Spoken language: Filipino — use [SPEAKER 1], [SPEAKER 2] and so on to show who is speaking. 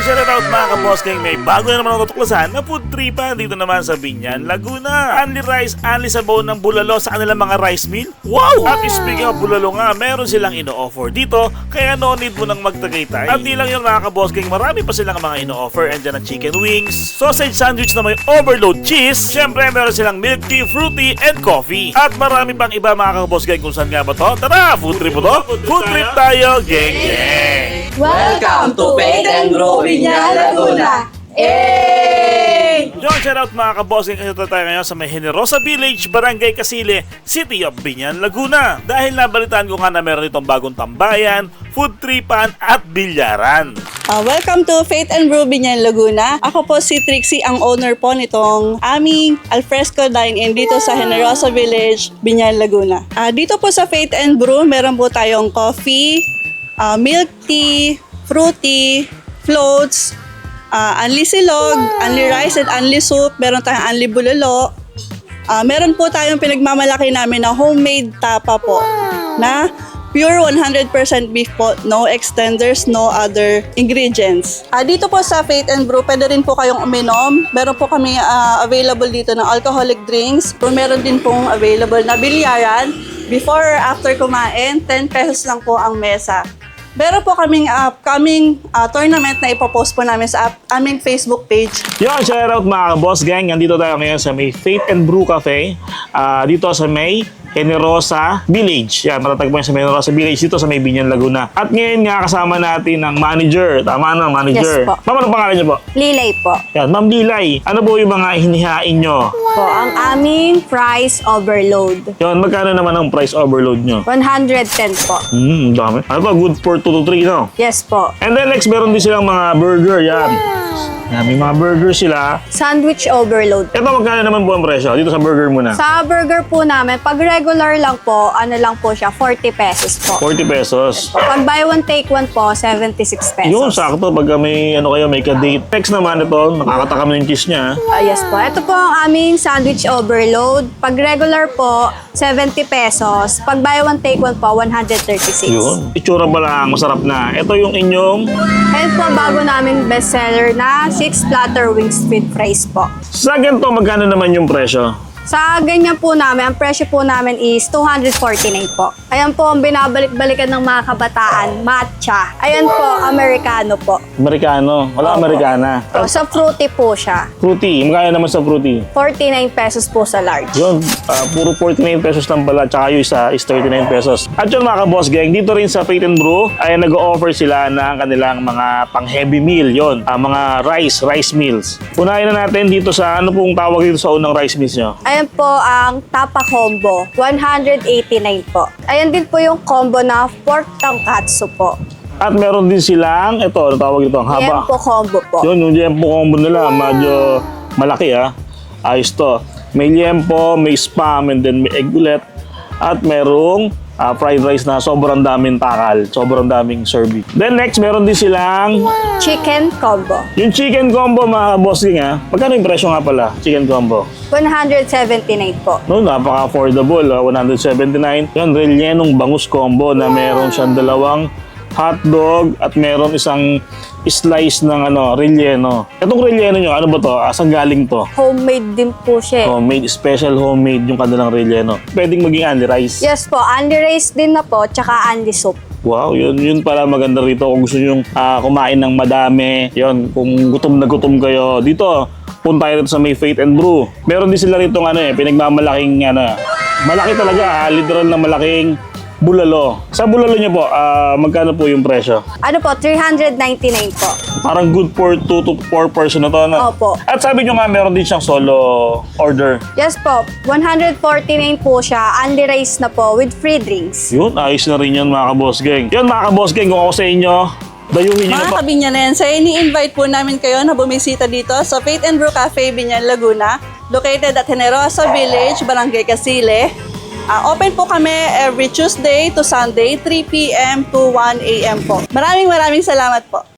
[SPEAKER 1] shout out mga kaboss gang, may bago na naman ako tuklasan na food tripan dito naman sa Binyan, Laguna. Only rice, only sabaw ng bulalo sa kanilang mga rice mill. Wow! At speaking of bulalo nga, meron silang ino-offer dito, kaya no need mo nang magtagaytay. At di lang yun mga kaboss gang, marami pa silang mga ino-offer. Andyan ang chicken wings, sausage sandwich na may overload cheese, syempre meron silang milk tea, fruity, and coffee. At marami pang iba mga kaboss gang, kung saan nga ba to? Tara, food trip po to? Food trip tayo, gang gang!
[SPEAKER 2] Welcome to Faith and Brew Binyan, Laguna! Hey!
[SPEAKER 1] Yung shoutout mga kabossing, kasi tayo ngayon sa may Generosa Village, Barangay Casile, City of Binyan, Laguna. Dahil nabalitaan ko nga na meron itong bagong tambayan, food tripan at bilyaran.
[SPEAKER 2] Welcome to Faith and Brew Binyan, Laguna. Ako po si Trixie, ang owner po nitong aming alfresco dine-in dito sa Generosa Village, Binyan, Laguna. Dito po sa Faith and Brew, meron po tayong coffee, milk tea, fruity, floats, unli silog, unli rice and unli soup, meron tayong unli bulalo. Meron po tayong pinagmamalaki namin na homemade tapa po na pure 100% beef po, no extenders, no other ingredients. Dito po sa Faith and Brew, pwede rin po kayong uminom. Meron po kami available dito ng alcoholic drinks. Meron din pong available na bilyaran. Before or after kumain, 10 pesos lang po ang mesa. Meron po kaming upcoming tournament na ipopost po namin sa aming Facebook page.
[SPEAKER 1] Yon, shoutout mga boss gang. Nandito tayo ngayon sa may Faith and Brew Cafe. Dito sa may Generosa Village. Yan, matatagpuan sa Generosa Village dito sa may Binyan, Laguna. At ngayon nga kasama natin ang manager. Tama na, manager.
[SPEAKER 2] Yes po.
[SPEAKER 1] Ma'am, ano pangalan niyo po?
[SPEAKER 3] Lilay po.
[SPEAKER 1] Yan, Ma'am Lilay. Ano po yung mga hinihain nyo?
[SPEAKER 3] Po, ang aming price overload.
[SPEAKER 1] Yon, magkano naman ang price overload nyo?
[SPEAKER 3] 110 po.
[SPEAKER 1] Dami. Ano pa? Good for 2 to 3, no?
[SPEAKER 3] Yes po.
[SPEAKER 1] And then next, meron din silang mga burger. Yan. Yan, may mga burger sila.
[SPEAKER 3] Sandwich overload.
[SPEAKER 1] Ito, magkano naman po ang presyo? Dito sa burger muna.
[SPEAKER 3] Sa burger po namin, pag regular lang po, ano lang po siya, 40 pesos po.
[SPEAKER 1] 40 pesos.
[SPEAKER 3] Pag buy one, take one po, 76 pesos.
[SPEAKER 1] Yun, sakto. Pag may, ano kayo, may ka-date. Next naman ito, nakakatakam ng cheese niya.
[SPEAKER 3] Yes po. Ito po ang aming sandwich overload. Pag regular po, 70 pesos. Pag buy one, take one po, 136.
[SPEAKER 1] Yun. Itsura pa lang, masarap na. Ito yung inyong...
[SPEAKER 3] Ayan po, bago namin bestseller na 6 platter wings with fries po.
[SPEAKER 1] Sa ganito, magkano naman yung presyo?
[SPEAKER 3] Sa ganyan po namin, ang presyo po namin is 249 po. Ayan po ang binabalik-balikan ng mga kabataan, matcha. Ayan po, Americano po.
[SPEAKER 1] Amerikano. Wala Amerikana.
[SPEAKER 3] Sa fruity po siya.
[SPEAKER 1] Fruity. Magkano naman sa fruity?
[SPEAKER 3] 49 pesos po sa large.
[SPEAKER 1] Yun, puro 49 pesos lang pala, tsaka yung isa is 39 pesos. At yun mga ka-boss gang, dito rin sa Faith and Brew, ay nag-o-offer sila ng kanilang mga pang-heavy meal, yun, mga rice meals. Unahin na natin dito sa, ano pong tawag dito sa unang rice meals nyo?
[SPEAKER 3] Ayan po ang tapa combo, 189 po. Ayan din po yung combo na pork tonkatsu po.
[SPEAKER 1] At meron din silang, ito, ano tawag dito, ang haba.
[SPEAKER 3] Yempo combo po.
[SPEAKER 1] Yun, yung liempo combo nila, medyo malaki Ayos to. May liempo, may spam, and then may egg ulit. At merong fried rice na sobrang daming takal, sobrang daming serving. Then next, meron din silang
[SPEAKER 3] Chicken combo,
[SPEAKER 1] yung chicken combo mga bossing Magkano yung presyo nga pala, chicken combo?
[SPEAKER 3] 179 po.
[SPEAKER 1] No, napaka-affordable, 179. Yun, rellenong bangus combo na meron siyang dalawang hotdog at meron isang slice ng relleno. Itong relleno nyo, ano ba to? Saan galing to?
[SPEAKER 3] Homemade din po siya.
[SPEAKER 1] Homemade, special homemade yung kanilang relleno. Pwedeng maging only rice.
[SPEAKER 3] Yes po, unli rice din na po, tsaka unli soup.
[SPEAKER 1] Wow, yun pala maganda rito. Kung gusto nyo kumain ng madami, yun, kung gutom na gutom kayo, dito, punta tayo rito sa may Faith and Brew. Meron din sila rito pinagmamalaking, malaki talaga, literal na malaking bulalo. Sa bulalo nyo po, magkano po yung presyo?
[SPEAKER 3] Ano po, 399 po.
[SPEAKER 1] Parang good for 2 to 4 person na to, no?
[SPEAKER 3] Opo.
[SPEAKER 1] At sabi nyo nga, meron din siyang solo order.
[SPEAKER 3] Yes po, 149 po siya, unli rice na po with free drinks.
[SPEAKER 1] Yun, ayos na rin yun mga ka-boss gang. Yun mga ka-boss gang, kung ako sa inyo, dayuhin nyo na
[SPEAKER 2] Mga
[SPEAKER 1] po.
[SPEAKER 2] kabinyanen, ini-invite po namin kayo na bumisita dito sa Faith and Brew Cafe, Binyan, Laguna, located at Generosa Village, Barangay Casile. Open po kami every Tuesday to Sunday, 3 p.m. to 1 a.m. po. Maraming salamat po.